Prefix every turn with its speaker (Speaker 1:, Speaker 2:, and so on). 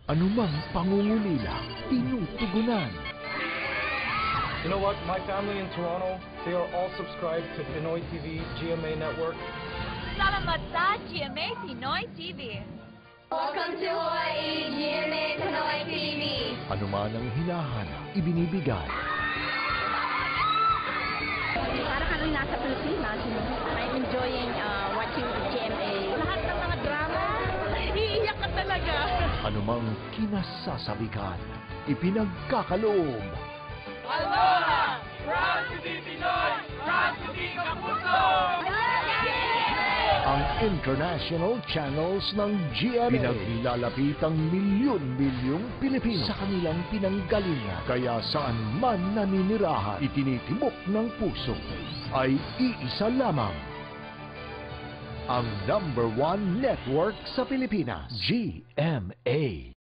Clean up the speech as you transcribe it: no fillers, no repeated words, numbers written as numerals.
Speaker 1: Anumang pangungulila, tinutugunan.
Speaker 2: You know what? My family in Toronto, they are all subscribed to Pinoy TV, GMA Network.
Speaker 3: Salamat sa GMA Pinoy TV.
Speaker 4: Welcome to Hawaii, GMA Pinoy TV.
Speaker 1: Anuman ang hinahanap, ibinibigay.
Speaker 5: Para kami nasa Pilipinas, I'm enjoying watching GMA. Lahat ng mga drama, iiyak ka talaga.
Speaker 1: Anumang kinasasabikan, ipinagkakaloob.
Speaker 6: Aloha! Proud to be Pinoy! Proud to be Kapuso!
Speaker 1: Ang international channels ng GMA pinaglalapit ang milyon-milyong Pilipino sa kanilang pinanggalingan. Kaya saan man naninirahan, itinitibok ng puso ay iisa lamang. Ang #1 network sa Pilipinas, GMA.